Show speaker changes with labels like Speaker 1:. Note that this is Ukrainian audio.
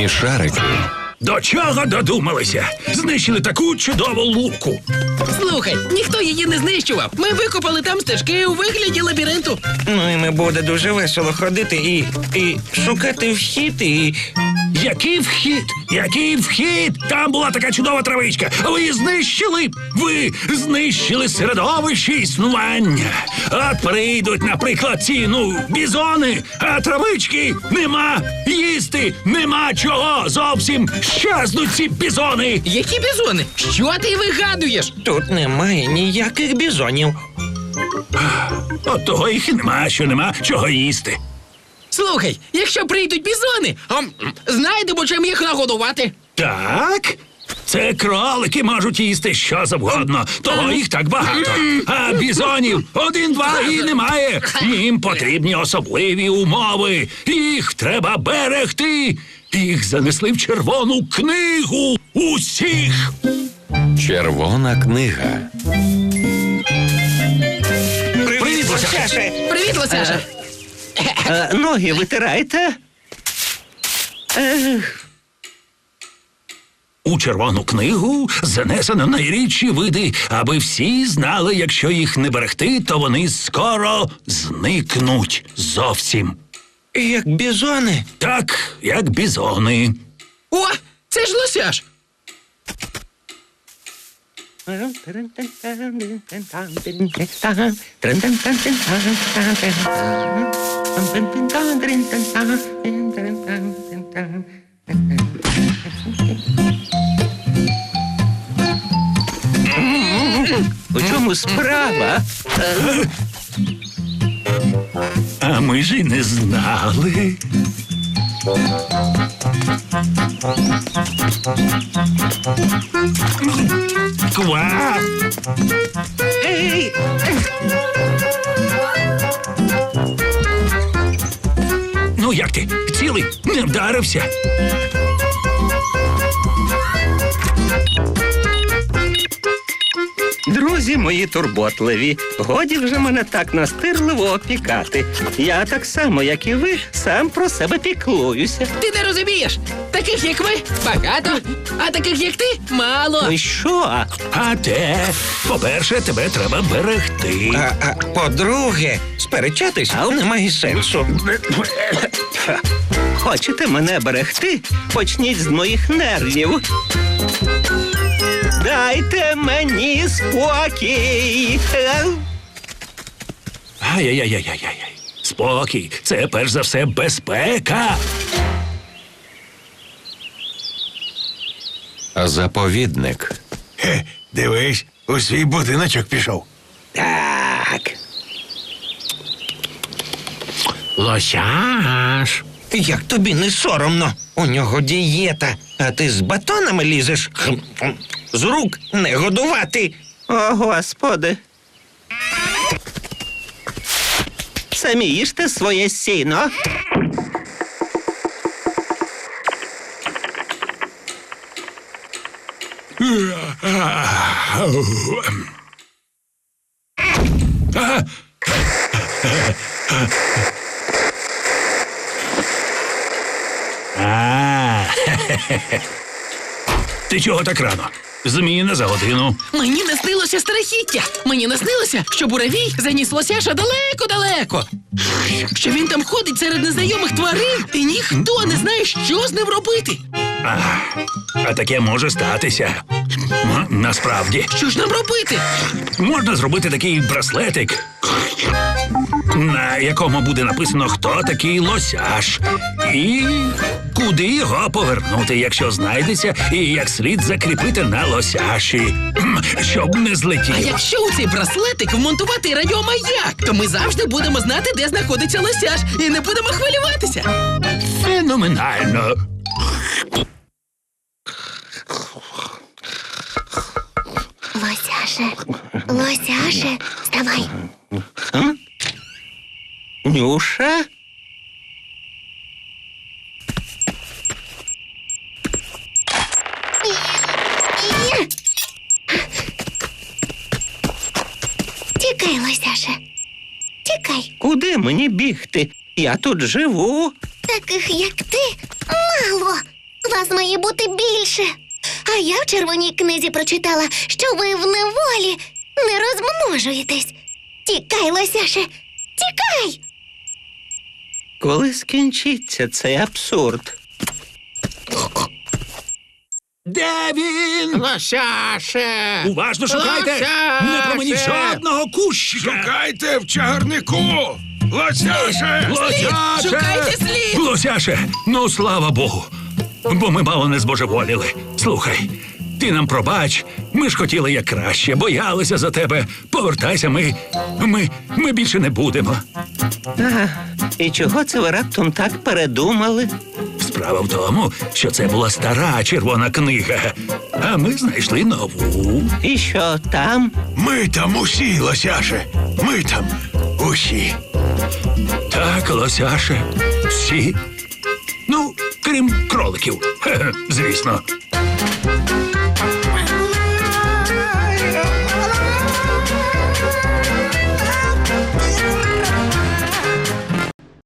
Speaker 1: Смішарики.
Speaker 2: До чого додумалися? Знищили таку чудову луку.
Speaker 3: Слухай, ніхто її не знищував. Ми викопали там стежки у вигляді лабіринту.
Speaker 4: Ну і ми буде дуже весело ходити і шукати вхід і...
Speaker 2: Який вхід? Який вхід? Там була така чудова травичка. Ви її знищили? Ви знищили середовище існування. От прийдуть, наприклад, ці, бізони, а травички нема. Їсти нема чого. Зовсім щезнуть ці бізони.
Speaker 3: Які бізони? Що ти вигадуєш?
Speaker 4: Тут немає ніяких бізонів.
Speaker 2: От того їх і нема, що нема чого їсти.
Speaker 3: Слухай, якщо прийдуть бізони, знайдемо, чим їх нагодувати.
Speaker 2: Так? Це кролики можуть їсти що завгодно, того їх так багато. А бізонів 1-2 і немає. Їм потрібні особливі умови. Їх треба берегти. Їх занесли в червону книгу усіх.
Speaker 1: Червона книга.
Speaker 4: Привіт, Лосяше!
Speaker 3: Привіт, Лосяша.
Speaker 4: Ноги витираєте?
Speaker 2: У червону книгу занесено найрідші види, аби всі знали, якщо їх не берегти, то вони скоро зникнуть зовсім.
Speaker 4: Як бізони?
Speaker 2: Так, як бізони.
Speaker 3: О, це ж Лосяш.
Speaker 4: У чому справа?
Speaker 2: А ми ж і не знали. Ква!
Speaker 4: Ей!
Speaker 2: Ну як ти? Цілий? Не вдарився?
Speaker 5: Друзі мої турботливі, годі вже мене так настирливо опікати. Я так само, як і ви, сам про себе піклуюся.
Speaker 3: Ти не розумієш. Таких, як ви, багато, а таких, як ти, мало.
Speaker 5: Ну і що?
Speaker 2: А те, по-перше, тебе треба берегти.
Speaker 4: А по-друге, сперечатись немає сенсу.
Speaker 5: Хочете мене берегти? Почніть з моїх нервів. Дайте мені спокій.
Speaker 2: Ай-яй-яй-яй-яй. Спокій. Це перш за все безпека.
Speaker 1: Заповідник.
Speaker 2: Дивись, у свій будиночок пішов.
Speaker 5: Так.
Speaker 2: Лосяш.
Speaker 4: Як тобі не соромно? У нього дієта, а ти з батонами лізеш? З рук не годувати.
Speaker 5: О, Господи. Самі їжте своє сіно.
Speaker 2: Ти чого так рано? Зміна за годину.
Speaker 3: Мені не снилося страхіття. Мені не снилося, що буревій заніс Лосяша далеко-далеко. Що він там ходить серед незнайомих тварин, і ніхто не знає, що з ним робити.
Speaker 2: А таке може статися. Насправді.
Speaker 3: Що ж нам робити?
Speaker 2: Можна зробити такий браслетик, на якому буде написано, хто такий Лосяш. І куди його повернути, якщо знайдеться, і як слід закріпити на Лосяші, щоб не
Speaker 3: А
Speaker 2: злетів.
Speaker 3: якщо у цей браслетик вмонтувати радіомаяк, то ми завжди будемо знати, де знаходиться Лосяш, і не будемо хвилюватися.
Speaker 2: Феноменально.
Speaker 6: Лосяше, вставай.
Speaker 5: Нюша?
Speaker 6: Тікай, Лосяше. Тікай.
Speaker 5: Куди мені бігти? Я тут живу.
Speaker 6: Таких, як ти, мало. Вас має бути більше. А я в червоній книзі прочитала, що ви в неволі не розмножуєтесь. Тікай, лосяше, тікай!
Speaker 5: Коли скінчиться цей абсурд?
Speaker 2: Де він?
Speaker 3: Лосяше!
Speaker 2: Уважно шукайте!
Speaker 3: Лосяше!
Speaker 2: Не променіть жодного кущика!
Speaker 7: Шукайте в чагарнику! Лосяше!
Speaker 2: Лосяше!
Speaker 3: Шукайте слід!
Speaker 2: Лосяше! Ну, слава Богу! Бо ми мало не збожеволіли. Слухай, ти нам пробач, ми ж хотіли як краще, боялися за тебе. Повертайся, ми більше не будемо.
Speaker 5: Ага. І чого це ви раптом так передумали?
Speaker 2: Справа в тому, що це була стара червона книга, а ми знайшли нову.
Speaker 5: І що там?
Speaker 7: Ми там усі, Лосяше! Ми там усі!
Speaker 2: Так, лосяше, всі. Ну, крім кроликів, звісно.